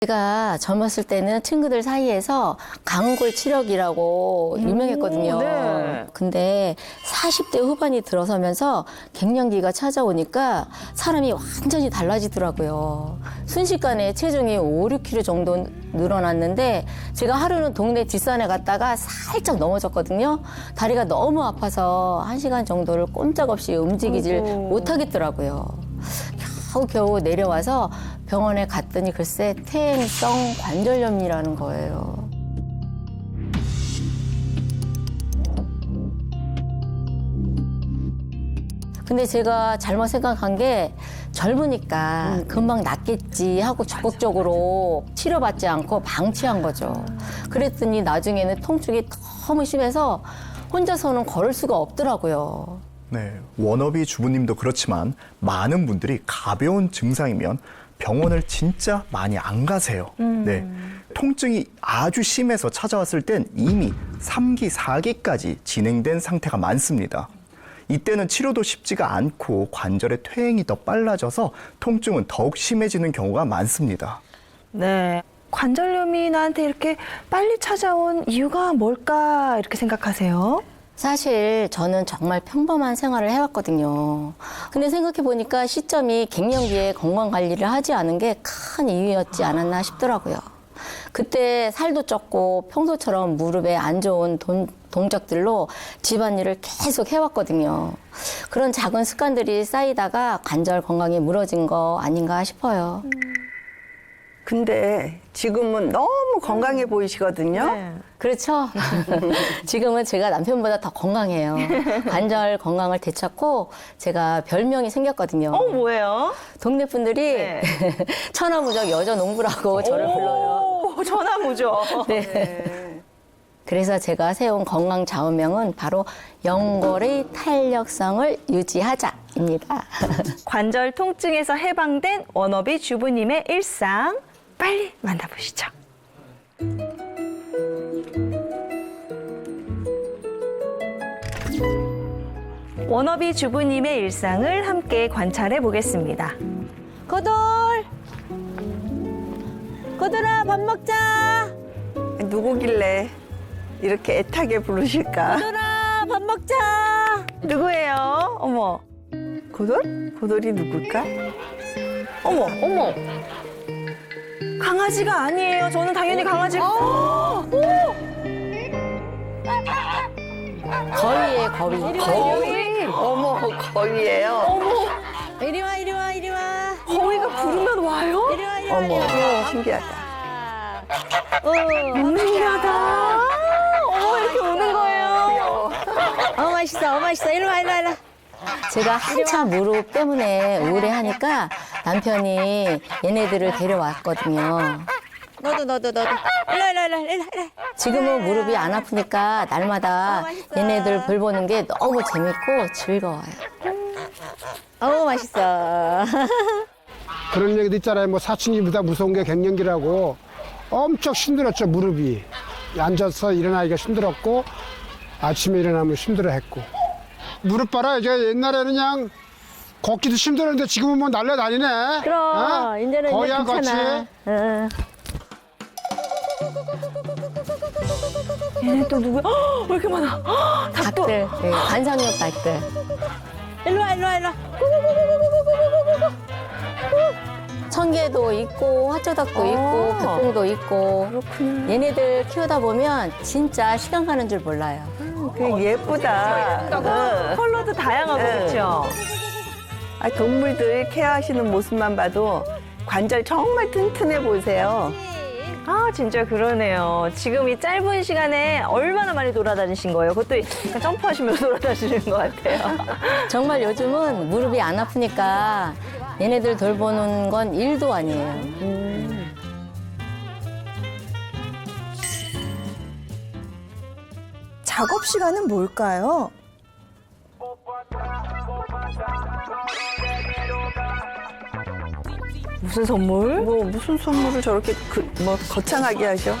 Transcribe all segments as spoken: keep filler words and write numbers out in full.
제가 젊었을 때는 친구들 사이에서 강골 치력이라고 유명했거든요. 네. 근데 사십 대 후반이 들어서면서 갱년기가 찾아오니까 사람이 완전히 달라지더라고요. 순식간에 체중이 오, 육 킬로그램 정도 늘어났는데 제가 하루는 동네 뒷산에 갔다가 살짝 넘어졌거든요. 다리가 너무 아파서 한 시간 정도를 꼼짝없이 움직이질 아이고. 못하겠더라고요. 겨우겨우 내려와서 병원에 갔더니 글쎄 퇴행성 관절염이라는 거예요. 근데 제가 잘못 생각한 게 젊으니까 금방 낫겠지 하고 적극적으로 치료받지 않고 방치한 거죠. 그랬더니 나중에는 통증이 너무 심해서 혼자서는 걸을 수가 없더라고요. 네, 워너비 주부님도 그렇지만 많은 분들이 가벼운 증상이면 병원을 진짜 많이 안 가세요. 네, 통증이 아주 심해서 찾아왔을 땐 이미 삼 기, 사 기까지 진행된 상태가 많습니다. 이때는 치료도 쉽지가 않고 관절의 퇴행이 더 빨라져서 통증은 더욱 심해지는 경우가 많습니다. 네. 관절염이 나한테 이렇게 빨리 찾아온 이유가 뭘까 이렇게 생각하세요? 사실 저는 정말 평범한 생활을 해왔거든요. 근데 생각해보니까 시점이 갱년기에 건강관리를 하지 않은 게 큰 이유였지 않았나 싶더라고요. 그때 살도 쪘고 평소처럼 무릎에 안 좋은 돈, 동작들로 집안일을 계속 해왔거든요. 그런 작은 습관들이 쌓이다가 관절 건강이 무너진 거 아닌가 싶어요. 근데 지금은 너무 건강해 보이시거든요. 네. 그렇죠. 지금은 제가 남편보다 더 건강해요. 관절 건강을 되찾고 제가 별명이 생겼거든요. 어, 뭐예요? 동네 분들이 네. 천하무적 여자농부라고 저를 불러요. 오, 전화무죠. 네. 그래서 제가 세운 건강 좌우명은 바로 연골의 탄력성을 유지하자입니다. 관절 통증에서 해방된 워너비 주부님의 일상 빨리 만나보시죠. 워너비 주부님의 일상을 함께 관찰해 보겠습니다. 거돌! 거돌아, 밥 먹자! 누구길래 이렇게 애타게 부르실까? 거돌아, 밥 먹자! 누구예요? 어머, 고돌? 고돌이 누굴까? 어머, 어머. 강아지가 아니에요. 저는 당연히 강아지. 어, 거위에 거위. 거위? 어머, 거위예요. 이리 와, 이리 와, 이리 와. 거위가 부르면 와요? 이리 와, 이리 와. 어머, 어머, 신기하다. 어, 신기하다. 어머, 이렇게 우는 거예요. 어, 맛있어, 어, 맛있어. 이리 와, 이리 와, 이리 와. 제가 한참 무릎 때문에 우울해하니까 남편이 얘네들을 데려왔거든요. 너도, 너도, 너도. 일로 와, 일로 와, 일로 와, 일로 와. 지금은 무릎이 안 아프니까 날마다 얘네들 볼 보는 게 너무 재밌고 즐거워요. 어우, 맛있어. 그런 얘기도 있잖아요. 뭐 사춘기보다 무서운 게 갱년기라고. 엄청 힘들었죠, 무릎이. 앉아서 일어나기가 힘들었고 아침에 일어나면 힘들어했고. 무릎 봐라. 이제 옛날에는 그냥 걷기도 힘들었는데 지금은 뭐 날라다니네. 그럼, 어? 이제는 이제 거야, 괜찮아. 같이. 응. 얘네 또 누구야? 헉, 왜 이렇게 많아? 헉, 닭도. 닭들, 네, 관상용 닭들. 일로 와, 일로 와, 일로 와. 청개도 있고, 화초닭도 있고, 백봉도 있고. 그렇군요. 얘네들 키우다 보면 진짜 시간 가는 줄 몰라요. 그 예쁘다. 응. 컬러도 다양하고 네. 그렇죠? 아, 동물들 케어하시는 모습만 봐도 관절 정말 튼튼해 보이세요. 아, 진짜 그러네요. 지금 이 짧은 시간에 얼마나 많이 돌아다니신 거예요? 그것도 약간 점프하시면서 돌아다니시는 것 같아요. 정말 요즘은 무릎이 안 아프니까 얘네들 돌보는 건 일도 아니에요. 작업 시간은 뭘까요? 무슨 선물? 뭐 무슨 선물을 저렇게 그, 뭐 거창하게 하죠?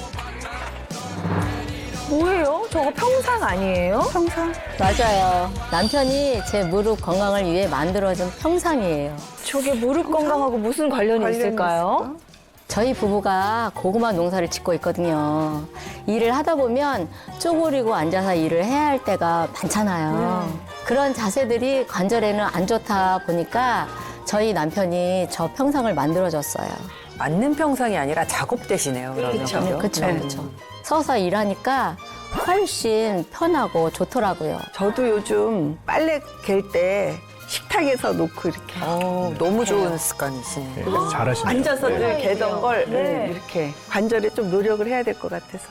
뭐예요? 저거 평상 아니에요? 평상? 맞아요. 남편이 제 무릎 건강을 위해 만들어준 평상이에요. 저게 무릎 건강하고 무슨 관련이 관련이 있을까요? 있을까? 저희 부부가 고구마 농사를 짓고 있거든요. 일을 하다 보면 쪼그리고 앉아서 일을 해야 할 때가 많잖아요. 그런 자세들이 관절에는 안 좋다 보니까 저희 남편이 저 평상을 만들어줬어요. 맞는 평상이 아니라 작업대시네요. 그러면. 그쵸. 그죠? 그렇죠, 네. 그렇죠. 서서 일하니까 훨씬 편하고 좋더라고요. 저도 요즘 빨래 갤 때 식탁에서 놓고 이렇게 어, 너무 좋은 습관이시네요. 네, 잘하시네요. 앉아서 네. 늘 개던 걸 네. 음, 이렇게 관절에 좀 노력을 해야 될 것 같아서.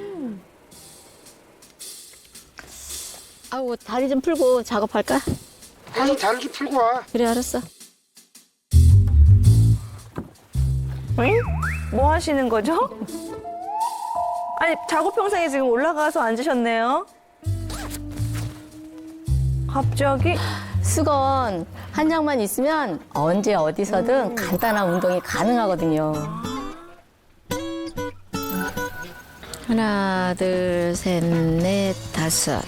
아우, 다리 좀 풀고 작업할까? 가서 다리 좀 풀고 와. 그래, 알았어. 응? 뭐 하시는 거죠? 아니, 작업 평상에 지금 올라가서 앉으셨네요. 갑자기 수건 한 장만 있으면 언제 어디서든 간단한 운동이 가능하거든요. 하나, 둘, 셋, 넷, 다섯.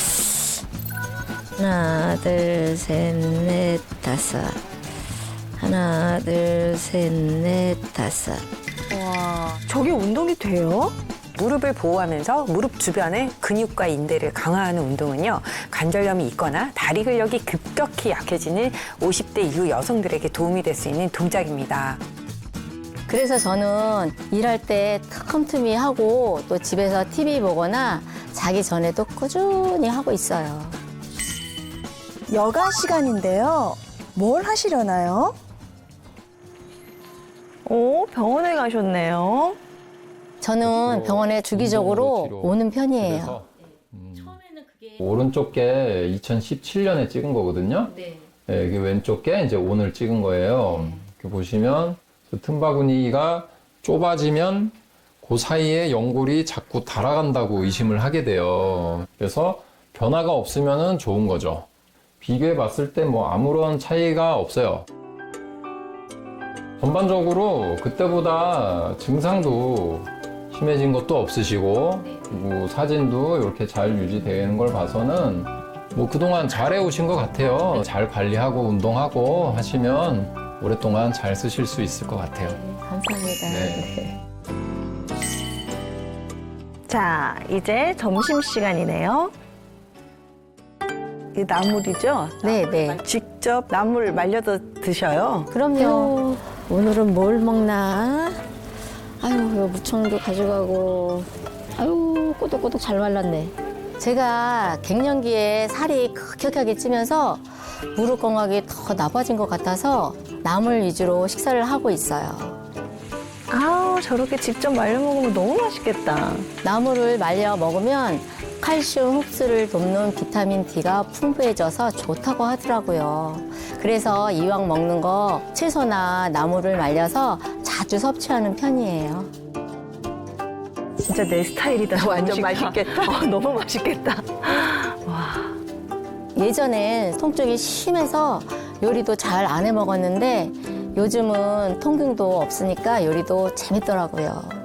하나, 둘, 셋, 넷, 다섯. 하나, 둘, 셋, 넷, 다섯. 저게 운동이 돼요? 무릎을 보호하면서 무릎 주변의 근육과 인대를 강화하는 운동은요, 관절염이 있거나 다리 근력이 급격히 약해지는 오십 대 이후 여성들에게 도움이 될 수 있는 동작입니다. 그래서 저는 일할 때 틈틈이 하고 또 집에서 티비 보거나 자기 전에도 꾸준히 하고 있어요. 여가 시간인데요. 뭘 하시려나요? 오, 병원에 가셨네요. 저는 병원에 주기적으로 운동으로 오는 편이에요. 그래서, 음, 오른쪽 게 이천십칠 년에 찍은 거거든요. 네. 이게 왼쪽 게 이제 오늘 찍은 거예요. 이렇게 보시면 그 틈바구니가 좁아지면 그 사이에 연골이 자꾸 달아간다고 의심을 하게 돼요. 그래서 변화가 없으면은 좋은 거죠. 비교해 봤을 때 뭐 아무런 차이가 없어요. 전반적으로 그때보다 증상도 심해진 것도 없으시고, 그리고 사진도 이렇게 잘 유지되는 걸 봐서는 뭐 그동안 잘 해오신 것 같아요. 잘 관리하고 운동하고 하시면 오랫동안 잘 쓰실 수 있을 것 같아요. 감사합니다. 네. 자, 이제 점심시간이네요. 이 나물이죠? 네, 네. 직접 나물 말려서 드셔요. 그럼요. 오늘은 뭘 먹나? 아유, 이거 무청도 가져가고. 아유, 꼬독꼬독 잘 말랐네. 제가 갱년기에 살이 급격하게 찌면서 무릎 건강이 더 나빠진 것 같아서 나물 위주로 식사를 하고 있어요. 아우, 저렇게 직접 말려 먹으면 너무 맛있겠다. 나물을 말려 먹으면 칼슘 흡수를 돕는 비타민 D가 풍부해져서 좋다고 하더라고요. 그래서 이왕 먹는 거 채소나 나물을 말려서 자주 섭취하는 편이에요. 진짜 내 스타일이다. 완전 음식. 맛있겠다. 어, 너무 맛있겠다. 예전엔 통증이 심해서 요리도 잘 안 해 먹었는데 요즘은 통증도 없으니까 요리도 재밌더라고요.